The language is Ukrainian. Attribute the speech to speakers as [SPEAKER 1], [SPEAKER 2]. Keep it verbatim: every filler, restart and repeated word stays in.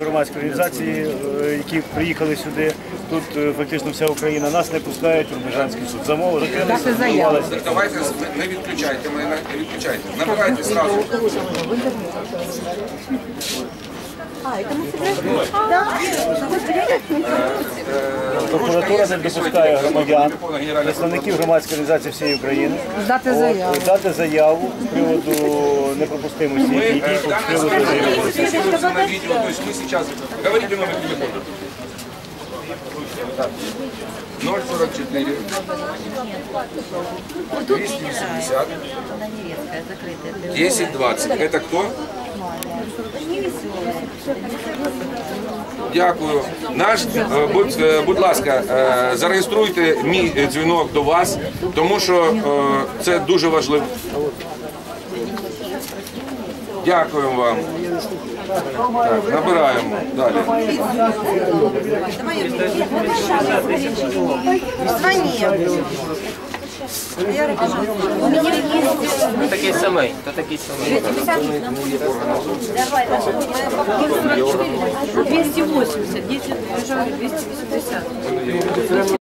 [SPEAKER 1] Громадські організації, які приїхали сюди, тут фактично вся Україна, нас не пускають у Рубіжанський суд. Замови закрилися.
[SPEAKER 2] Давайте не відключайте мене, не відключайте. Набирайте зразу.
[SPEAKER 1] Прокуратура не допускає громадян, представників громадської організації всієї України
[SPEAKER 3] Дати заяву.
[SPEAKER 1] дати заяву з приводу непропустимості дій, з приводу
[SPEAKER 2] На видео, то есть мы сейчас... Говорите номер телефона. ноль сорок четыре двести восемьдесят десять двадцать. Это кто? Дякую. Наш, будь, будь ласка, зареєструйте мій дзвінок до вас, тому що це дуже важливо. Дякуємо вам. Так, набираємо далі.
[SPEAKER 4] Хто такий самий? Хто такий самий?
[SPEAKER 5] двести восемьдесят, десять, двести восемьдесят.